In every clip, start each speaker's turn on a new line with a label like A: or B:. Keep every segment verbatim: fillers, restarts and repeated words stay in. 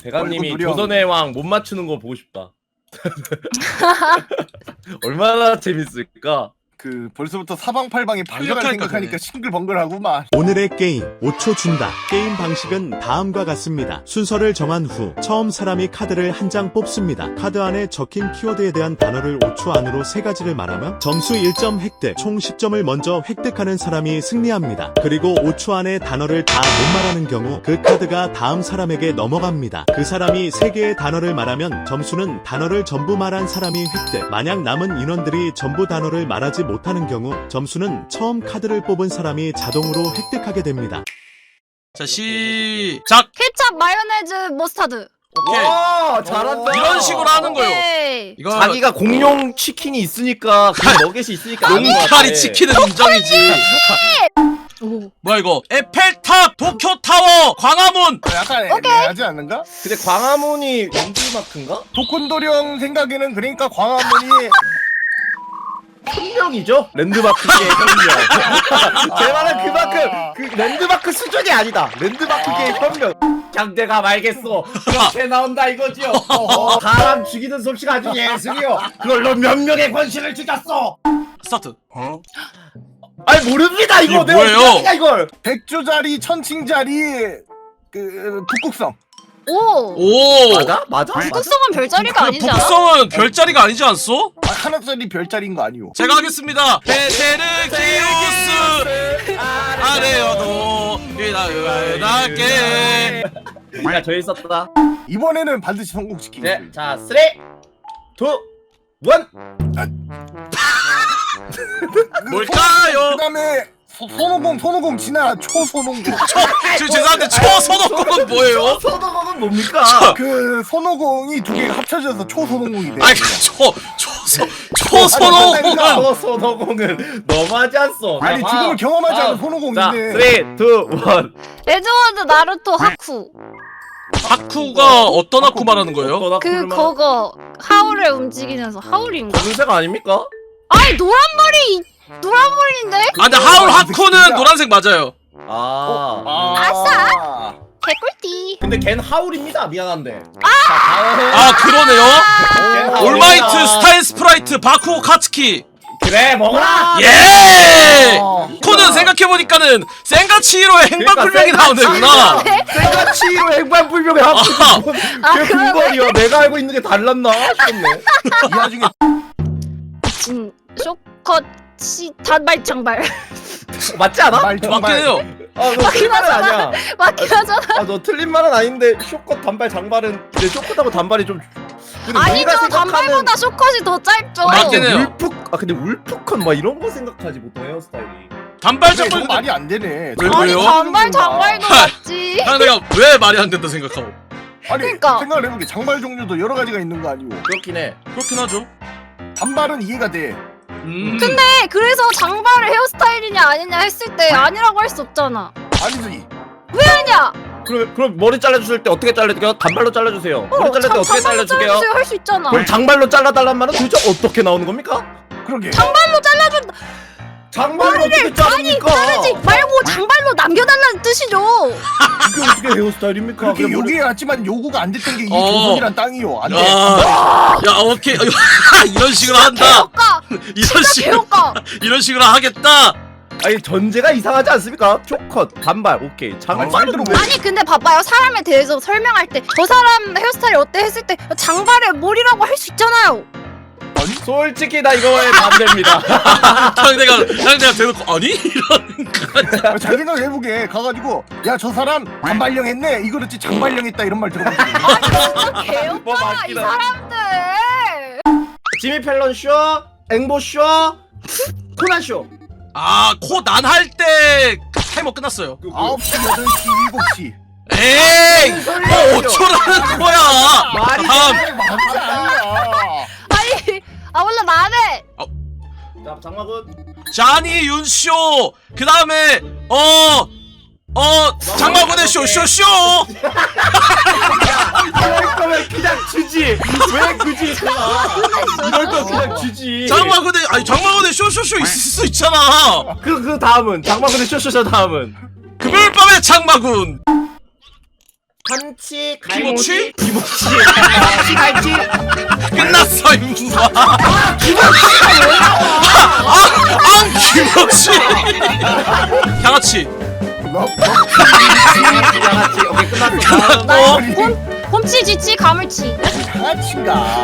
A: 대감님이
B: 누려.
A: 조선의 왕 못 맞추는 거 보고 싶다. 얼마나 재밌을까?
B: 그 벌써부터 사방팔방에 팔려갈
C: 완벽하니까
B: 생각하니까
C: 그래.
B: 싱글벙글하구만.
D: 오늘의 게임 오 초 준다. 게임 방식은 다음과 같습니다. 순서를 정한 후 처음 사람이 카드를 한 장 뽑습니다. 카드 안에 적힌 키워드에 대한 단어를 오 초 안으로 세 가지를 말하면 점수 일 점 획득, 총 십 점을 먼저 획득하는 사람이 승리합니다. 그리고 오 초 안에 단어를 다 못 말하는 경우 그 카드가 다음 사람에게 넘어갑니다. 그 사람이 세 개의 단어를 말하면 점수는 단어를 전부 말한 사람이 획득. 만약 남은 인원들이 전부 단어를 말하지 못하는 경우 점수는 처음 카드를 뽑은 사람이 자동으로 획득하게 됩니다.
C: 자 시작.
E: 케찹, 마요네즈, 머스타드.
C: 오케이.
A: 와 잘한다.
C: 이런 식으로 하는 거요.
E: 오케이.
C: 이거
A: 자기가 공룡 치킨이 있으니까 그 너겟이 있으니까 아는 것 같아.
C: 용팔이 치킨은 인정이지.
E: 오.
C: 뭐야 이거? 에펠탑, 도쿄타워, 광화문.
B: 어, 약간
E: 오케이.
B: 애매하지 않는가?
A: 근데 광화문이 랜드마크인가?
B: 도콘도령 생각에는 그러니까 광화문이
A: 혁명이죠? 랜드마크계의 혁명. 제 말은 그만큼 그 랜드마크 수준이 아니다. 랜드마크계의 혁명. 장대가 말겠어. 그렇게 나온다 이거지요. 어, 사람 죽이는 솜씨가 아주 예술이요. 그걸로 몇 명의 권신을 죽였어.
C: 스타트.
A: 아니 모릅니다 이거.
C: 이게
A: 내가
C: 뭐예요?
A: 어떻게 하냐, 이걸.
B: 백조자리, 천칭자리, 그 북극성.
E: 오.
C: 오.
A: 맞아? 맞아? 맞아?
E: 북극성은 별자리가
C: 그
E: 아니지 않아?
C: 북극성은 별자리가 아니지 않소?
B: 아, 하나짜리 별자리인 거 아니오?
C: 제가 하겠습니다. 베테르기우스 아래여도 이나은하게.
A: 야 저기 있었다.
B: 이번에는 반드시 성공시키겠어.
A: 네, 자 쓰리, 투, 원.
C: 뭘까요?
B: 그다음에 소- 손오공, 손오공 지나 초손오공.
C: 저 죄송한데 초선호권은 뭐예요?
A: 서도공은 뭡니까?
B: 그 손오공이 두 개가 합쳐져서 초손오공이 돼.
C: 아니 초 초선 초선호권은
A: 서도공은 너무하지 않소?
B: 아니 죽음을 경험하지 않은
A: 자,
B: 손오공인데.
A: 쓰리, 투, 원.
E: 레드워드, 나루토, 하쿠.
C: 하쿠가 어떤 하쿠 말하는 거예요?
E: 그 그거 하울을 움직이면서 하울인가?
A: 검은색 아닙니까?
E: 아니 노란 머리 노란 머리인데?
C: 아 근데 하울 하쿠는 노란색 맞아요.
A: 아.
B: 아,
E: 아싸! 개꿀띠.
A: 근데 걘 하울입니다. 미안한데.
C: 아 그러네요.
A: 아,
C: 올마이트
A: 하울이다.
C: 스타일 스프라이트 바쿠 카츠키.
A: 그래 먹어라.
C: 예.
B: 아.
C: 코는 생각해보니까는 센가치히로의 행방불명이 나오는구나.
A: 생가치로 행방불명의 하울.
E: 아,
A: 그
E: 그러네.
A: 군벌이야. 내가 알고 있는 게 달랐나 싶네.
B: 이 와중에
E: 진 쇼컷치 단발 장발.
A: 맞지 않아?
B: 말 정말
C: 맞긴 해요.
A: 아, 너 틀린 말은 아니야.
E: 맞긴 하잖아.
A: 아, 너 틀린 말은 아닌데 쇼컷 단발 장발은 근데 쇼컷하고 단발이 좀 근데
E: 아니죠,
A: 우리가 생각하는
E: 단발보다 쇼컷이 더 짧죠.
C: 맞긴 해요.
A: 울프 아 근데 울프컷 막 이런 거 생각하지 보통 헤어스타일이.
C: 단발
B: 근데
C: 장발.
B: 이거 말이 안 되네.
C: 왜,
E: 아니
C: 왜요?
E: 단발 장발도 맞지.
C: 아 내가 왜 말이 안 된다 생각하고.
B: 아니
E: 그러니까.
B: 생각을 해보게 장발 종류도 여러 가지가 있는 거 아니오?
A: 그렇긴 해.
C: 그렇긴 하죠.
B: 단발은 이해가 돼.
C: 음.
E: 근데 그래서 장발을 헤어스타일이냐 아니냐 했을 때 아니라고 할 수 없잖아.
B: 아니지.
E: 아니야.
A: 그럼 그럼 머리 잘라주실 때 어떻게 잘라줄게요? 단발로 잘라주세요. 머리
E: 어,
A: 잘릴 때
E: 장-
A: 어떻게
E: 장발로
A: 잘라줄게요?
E: 잘라주세요 할 수 있잖아.
A: 그럼 장발로 잘라달란 말은 도대체 어떻게 나오는 겁니까?
B: 그러게.
E: 장발로 잘라준
A: 장발로 어떻게 자르니까?
E: 자르지 말고 장발로 남겨달라는 뜻이죠.
A: 이게 어떻게 헤어스타일입니까?
B: 그렇게
A: 그럼 머리-
B: 요기에 왔지만 요구가 안 됐던 게 이
C: 어.
B: 조선이란 땅이요. 안 돼.
C: 야, 야 오케이. 이런 식으로 한다.
E: 개혁가.
C: 이런 식으로
E: 개혁가.
C: 이런 식으로 하겠다.
A: 아니 전제가 이상하지 않습니까? 쇼컷 단발 오케이. 장발은
B: 말대로
A: 왜?
E: 아니 근데 봐봐요. 사람에 대해서 설명할 때 저 사람 헤어스타일이 어때 했을 때 장발에 머리라고 할 수 있잖아요.
A: 솔직히 나 이거에 반대입니다.
C: 상대가 상대가 대놓고 아니 이런.
B: 잘 생각해보게 가가지고 야 저 사람 단발령 했네 이거 그렇지 장발령 했다 이런 말 들어본 적 있니?
E: 아니 진짜
A: 뭐
E: 개혁가 이
A: 맞긴 하네.
E: 사람들.
A: 지미 펠런 쇼, 앵보 쇼, 코난 쇼.
C: 아코 난 할 때 타이머 끝났어요.
B: 아홉 시, 여덟 시, 일곱 시
C: 에이 뭐 오 초라는 거야.
A: 말이
C: 다음
A: 돼.
B: 맞지 않아.
E: 아니 아 몰라 나네.
A: 자 장마군.
C: 자니 윤쇼 그 다음에 어 어 장마군의 쇼쇼쇼.
A: 이럴 거면 그냥 주지. 왜 굳이 가? 이럴 거 그냥 주지.
C: 장마군의 아니 장마군의 쇼쇼쇼 있을 수 있잖아.
A: 그, 그 다음은 장마군의 쇼쇼쇼 다음은
C: 금요일 밤의 장마군.
A: 한치
C: 김치?
A: 김치 한치 갈치
C: 끝났어 임마. 아 김치. 양아치.
B: 너
A: 양아치. 오케이 끝났어.
E: 나
C: 어?
E: 곰, 곰치, 쥐치, 가물치.
B: 양아치인가?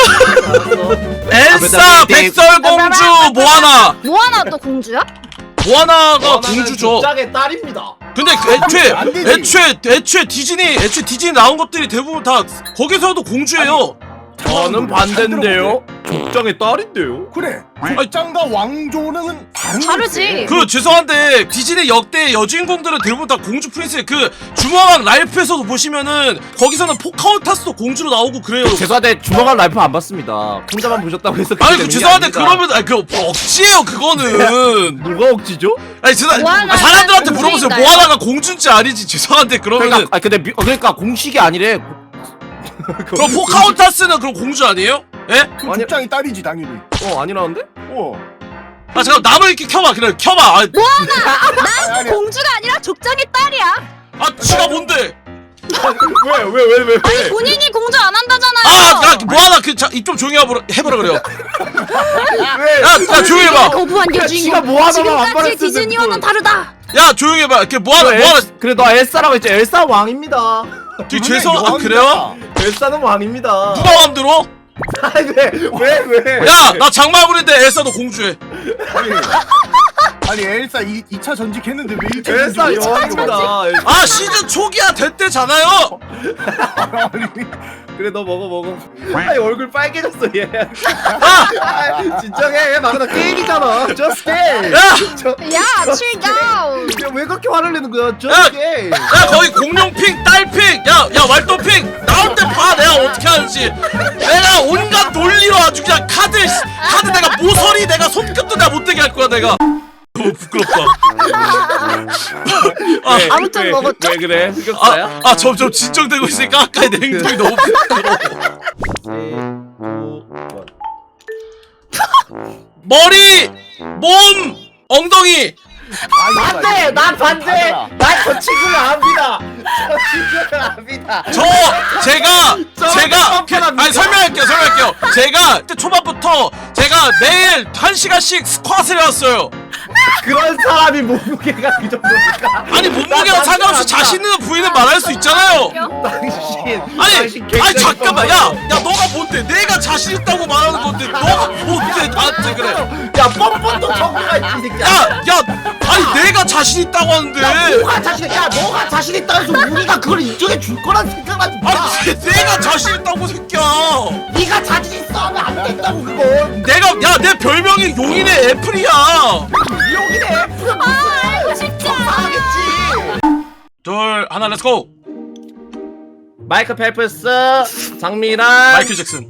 C: 엘사, 백설공주, 모아나.
E: 모아나 또 공주야?
C: 모아나가 공주죠.
A: 짝의 딸입니다.
C: 근데 그 애초에
B: 안 되지.
C: 애초에 애초에 디즈니 애초에 디즈니 나온 것들이 대부분 다 거기서도 공주예요.
A: 저는 반대인데요. 족장의 딸인데요.
B: 그래. 족장과 왕조는 다른
E: 다르지.
C: 그 죄송한데 디즈니 역대 여주인공들은 대부분 다 공주 프린스. 그 주먹왕 랄프에서도 보시면은 거기서는 포카혼타스도 공주로 나오고 그래요.
A: 죄송한데 주먹한 라이프 안 봤습니다. 혼자만 보셨다고 해서
C: 아니
A: 그렇게
C: 그
A: 되는 게
C: 죄송한데
A: 아닙니다.
C: 그러면 아니 그 억지예요 그거는.
A: 누가 억지죠?
C: 아니 죄송
E: 모아나는
C: 아, 사람들한테 물어보세요.
E: 공주인가요?
C: 모아나가 공주인지 아니지. 죄송한데 그러면은
A: 그러니까 아 근데 미, 어, 그러니까 공식이 아니래.
C: 그럼 포카혼타스는 그럼 공주 아니에요? 예?
B: 그 족장이 딸이지 당연히.
A: 어 아니라는데?
B: 어.
C: 아 잠깐 남을 이렇게 켜봐. 그래 켜봐. 아,
B: 아니, 아니,
E: 공주가 아니라 족장의 딸이야.
C: 아 지가 뭔데?
A: 왜 왜 왜 왜 왜?
E: 본인이 공주 안 한다잖아요.
C: 아, 야, 뭐하나 그입 좀 조용히 해보라, 해보라 그래요.
A: 왜?
C: 야, 야 조용히 해봐.
E: 거부한
A: 지가
E: 여주인공.
A: 뭐 하다가 안
E: 지금까지
A: 말했을
E: 디즈니와는
A: 텐데
E: 다르다.
C: 야 조용히 해봐. 이렇게 뭐하나
A: 그래,
C: 뭐하나.
A: 엘- 그래 너 엘사라고 했지. 엘사 왕입니다.
C: 되게 죄송. 아 그래요?
A: 엘사는 왕입니다.
C: 누가 마음대로?
A: 아니 왜왜 왜?
C: 야, 나 장마군인데 엘사도 공주해.
B: 아니, 아니 엘사 이, 이 차 전직했는데 왜 일 차
A: 엘사
B: 전직을
A: 여왕입니다. 엘사.
C: 아 시즌 초기야 됐대잖아요.
B: 아니,
A: 그래 너 먹어 먹어. 아니 얼굴 빨개졌어 얘.
C: 아,
A: 아, 진정해. 막나 게임이잖아. Just game.
C: 야,
A: 저,
E: 야, 칠다운.
A: 야, 왜 그렇게 화를 내는 거야?
C: 야!
A: Just game.
C: 야 거기 공룡핑, 딸핑, 야, 야 왈도핑 나올 때 봐. 내가 어떻게 하는지. 내가 온갖 논리로 아주 그냥 카드, 카드 내가 모서리 내가 손끝도 내가 못되게 할 거야 내가. 너무 부끄럽다. 아,
A: 왜,
E: 아무튼
A: 왜,
E: 먹었죠?
A: 왜 그래? 흑역사야?
C: 아, 아 점점 진정되고 있으니까 아까의 내 행동이 너무 부끄러워. 머리, 몸, 엉덩이.
A: 반대! 난 반대! 난 저 친구를 압니다! 저 친구를 압니다!
C: 저 제가
A: 저는
C: 제가
A: 뻔뻔합니다.
C: 아니 설명할게요 설명할게요. 제가 그때 초반부터 제가 매일 한 시간씩 스쿼트를 해왔어요.
A: 그런 사람이 몸무게가 그 정도니까
C: 아니 몸무게랑
A: 난
C: 상관없이
A: 당신
C: 자신 있는 부위는 말할 수 있잖아요.
A: 당신
C: 아니
A: 당신
C: 아니
A: 굉장히
C: 잠깐만
A: 뻔뻔해.
C: 야야 너가 뭔데 내가 자신 있다고 말하는 건데 너가 뭔데 나한테 그래.
A: 야 뻔뻔도 정도가 있지 이 새끼야
C: 야야 아니 내가 자신 있다고 하는데.
A: 너가 자신 야 너가 자신 있다 해서 우리가 그걸 인정해 줄 거란 생각하지 마
C: 아니 내가 자신 있다고 새끼야.
A: 네가 자신 있어 하면 안 된다고 그건
C: 내가 야 내 별명이 용인의 애플이야.
A: 여기네
E: 아, 이거 진짜.
A: 하겠지
C: 둘 하나 렛츠고.
A: 마이클 펠프스 장미란
C: 마이클 잭슨.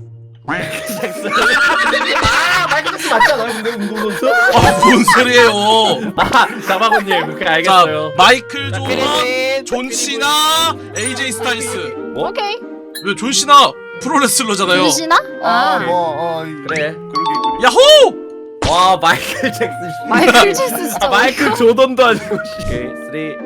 A: 아 마이클 잭슨 맞잖아 근데 운동선수
C: 아뭔 소리예요.
A: 아 장마군님 그렇게
C: 자
A: 알겠어요
C: 마이클
A: 자,
C: 조던,
A: 피디님,
C: 존
A: 피디님.
C: 시나, 에이제이 스타일스.
E: 오케이.
C: 왜 존 시나 프로레슬러잖아요.
E: 윤신아? 아,
B: 뭐, 어,
A: 그래
B: 그러게.
C: 야호!
A: 와 마이클 잭슨 씨.
E: 마이클 잭슨 진짜.
A: 아, 마이클 조던도 아니고 씨. 오케이 삼, 이, 일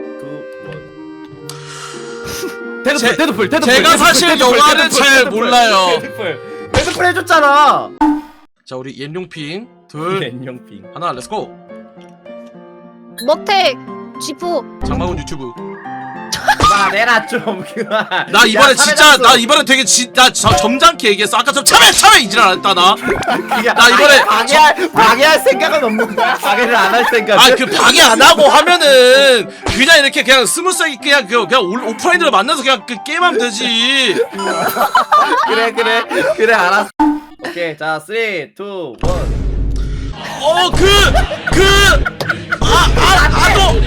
A: 데드풀
C: 제-
A: 데드풀 데드풀
C: 제가
A: 데드풀,
C: 사실
A: 데드풀,
C: 영화를
A: 데드풀,
C: 잘
A: 데드풀,
C: 몰라요.
A: 데드풀 데드풀 해줬잖아
C: 자 우리 옌룡핑 둘
A: 렌영핑
C: 하나 렛츠고.
E: 머택, 쥐포.
C: 장마군 유튜브.
A: 그만해라 좀 그만
C: 나 이번에
A: 야,
C: 진짜
A: 사회자수.
C: 나 이번에 되게 진나 점잖게 얘기했어. 아까 좀 참해 참해 이질 안 했다 나.
A: 그냥
C: 나 이번에
A: 방해할 방해할 생각은 없는 거야 방해를 안 할 생각
C: 아 그 방해 안 하고 하면은 그냥 이렇게 그냥 스무스하게 그냥 그 그냥 올- 오프라인으로 만나서 그냥 그 게임하면 되지.
A: 그래 그래 그래 알았어 오케이 자 삼, 이, 일
C: 어 그 그 아 아 아도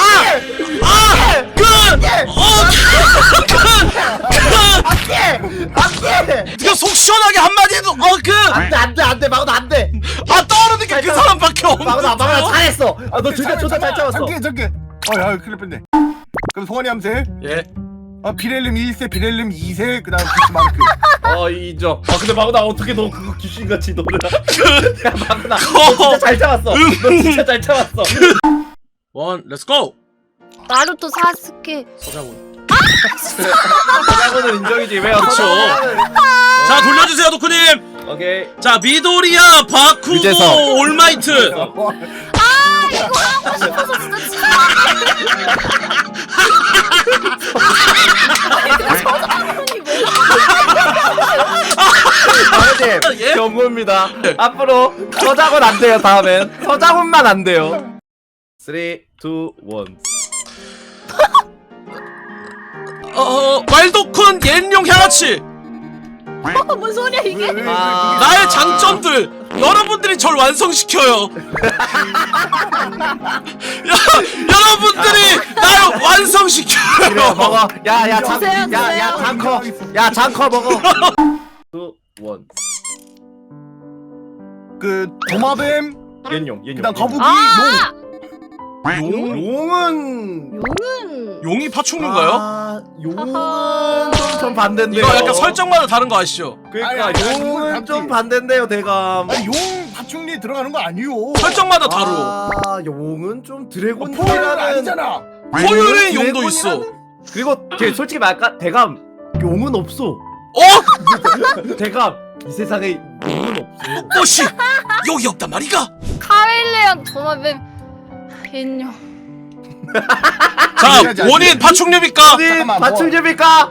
C: 아아그어그그
A: 안돼
C: 그 속 시원하게 한마디 해도 어그
A: 안돼 안돼 안돼 마구도 안돼
C: 아 떠오르는 게 그 사람밖에
A: 마구도 마구도
C: 없는데요?
A: 잘했어 아너 진짜 진짜 잘 잡았어
B: 잠깐 잠깐. 어, 야, 큰일 뻔네. 그럼 송환이 함세.
C: 예.
B: 어, 비렐름 일 세, 비렐름 이 세, 그다음 비스마르크.
A: 어 인정 아 근데 마구나 어떻게 너 그거 귀신같이 너를 야 마구나
C: 그-
A: 너 진짜 잘 잡았어 너 진짜 잘 잡았어
C: 원 렛츠고.
E: 나루토 사스케.
C: 서장훈.
A: 서장훈은 인정이지 왜요?
C: 그쵸. 자 돌려주세요 도쿠님.
A: 오케이.
C: 자 미도리야 바쿠고
A: 유재석.
C: 올마이트.
E: 아 이거 하고 싶어서 진짜 치사.
A: 아버님
C: 예?
A: 경고입니다. 앞으로 서장훈 안 돼요. 다음엔 서장훈만 안 돼요. 삼, 이, 일.
C: 어 말도쿤 옌룡 향아치.
E: 뭔 소리야 이게?
A: 아.
C: 나의 장점들 여러분들이 절 완성시켜요. 야, 여러분들이 날 완성시켜요.
A: 그래 먹어. 야야 장,
E: 드세요,
A: 야야
E: 드세요.
A: 장커. 야 장커 먹어. 이, 일.
B: 그 도마뱀,
A: 옌용 옌용.
B: 그다음 거북이,
E: 아
C: 용?
A: 용은
E: 용은
C: 용이 파충류인가요?
A: 아, 용은
E: 하하.
A: 좀, 좀 반대인데요.
C: 이거 약간 설정마다 다른 거 아시죠?
A: 그러니까
B: 아니, 아니, 아니,
A: 용은
B: 이건
A: 좀
B: 답지.
A: 반대인데요, 대감.
B: 아니 용 파충류에 들어가는 거 아니요.
C: 설정마다 다르.
A: 아, 용은 좀
B: 어,
A: 드래곤이라는
B: 포유는 아니잖아.
C: 포유린 용도 있어.
A: 그리고 제 솔직히 말까 대감 용은 없어.
C: 어?
A: 대감 이 세상에 용은 없어.
C: 어씨 여기 없단 말이가.
E: 카멜레온 도마뱀 옌룡.
C: 자 원인 파충류입니까?
A: 어디
B: 잠깐만, 뭐.
A: 파충류입니까?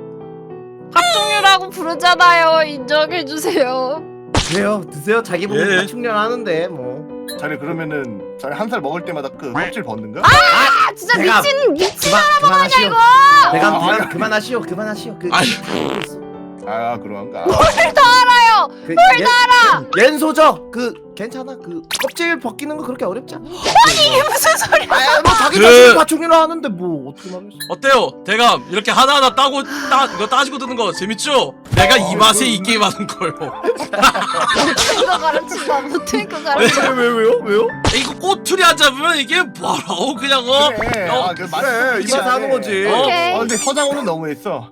E: 합종류라고 부르잖아요. 인정해주세요.
A: 드세요, 드세요. 자기 보고
C: 예.
A: 파충류 하는데 뭐.
B: 자네 그러면은 자네 한 살 먹을 때마다 그 껍질 벗는가?
E: 아 진짜
A: 내가-
E: 미친 미친
A: 그만 그만하시오.
E: 이거.
A: 대감
B: 아,
A: 그만
B: 아,
A: 그만하시오. 그만하시오. 그
C: 아니.
A: 다 알고 있어.
B: 아 그런가.
E: 알아요.
A: 그, 옌, 옌소저 그 괜찮아. 그 껍질 벗기는 거 그렇게 어렵지 않아.
E: 이게 무슨 소리야?
A: 아, 뭐 자기
C: 그-
A: 자신 파충류로 하는데 뭐 어떻게 말했어?
C: 어때요? 대감 이렇게 하나하나 따고 따 이거 따지고 드는 거 재밌죠? 내가 이 맛에 이 게임 하는 거요.
E: 못된 거 가르친다. 못된 거 가르친다.
A: 왜, 왜 왜요? 왜요?
C: 이거 꼬투리 안 잡으면 이게 뭐라고 그냥 어?
B: 그래.
C: 어,
B: 아, 그 맛-
A: 그래, 이 맛에 하는 거지.
C: 어?
E: 오케이.
B: 어 근데 서장훈은 너무했어.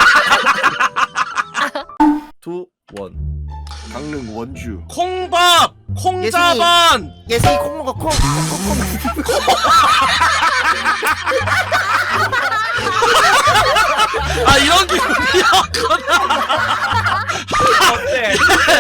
A: 두 원.
B: 강릉 원주.
C: 콩밥 콩자반.
A: 예슬이 콩 먹어 콩.
C: 아 이런 기분이었구나.
A: 어때?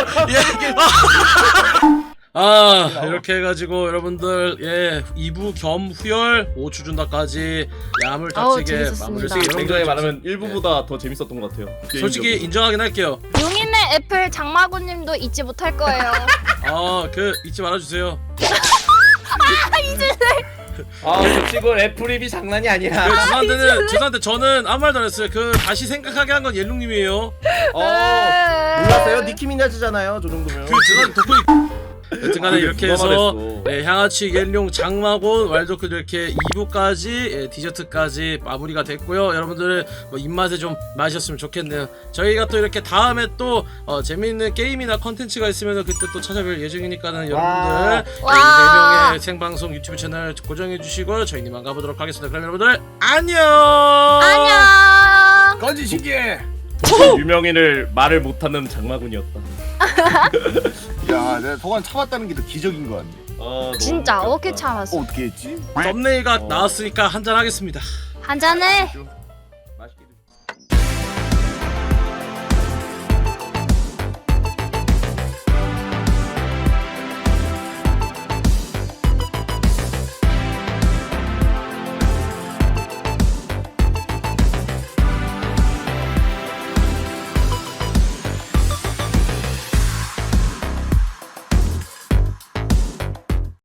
C: 아 이렇게 해가지고 여러분들 예 이 부 겸 후열 오 주 준다까지 야물
E: 아우,
C: 다치게
E: 재밌었습니다.
C: 마무리
A: 솔직히 굉장히
C: 여러분들
A: 말하면 일 부보다 더 재밌었던 것 같아요.
C: 솔직히 인정하긴 할게요.
E: 용인의 애플 장마구님도 잊지 못할 거예요.
C: 아 그 잊지 말아주세요.
A: 아, 저 친구 애플립이 장난이 아니야.
C: 그 죄송한데는 죄송한데 저는 아무 말도 안 했어요. 그 다시 생각하게 한 건 옐룽님이에요.
A: 어, 몰랐어요? 니키 미나즈잖아요. 저 정도면.
C: 그 죄송한데 덕분에 여튼간에
A: 그게
C: 이렇게
A: 누가
C: 해서
A: 말했어.
C: 예, 향아치 옐룡 장마곤 왈도크 이렇게 이 부까지 예, 디저트까지 마무리가 됐고요. 여러분들 뭐 입맛에 좀 마셨으면 좋겠네요. 저희가 또 이렇게 다음에 또 어, 재미있는 게임이나 컨텐츠가 있으면 그때 또 찾아뵐 예정이니까는 여러분들
E: 와.
C: 네 명의 생방송 유튜브 채널 고정해 주시고 저희는 이만 가보도록 하겠습니다. 그럼 여러분들 안녕.
E: 안녕.
B: 건지 신기해.
A: 유명인을 말을 못하는 장마군이었다.
B: 야, 내가 동안 참았다는 게 더 기적인 거 같네.
A: 어,
E: 진짜
A: 너무
E: 어떻게
A: 웃겼다.
E: 참았어?
B: 어, 어떻게 했지?
C: 썸네일가
A: 어.
C: 나왔으니까 한잔 하겠습니다.
E: 한 잔해.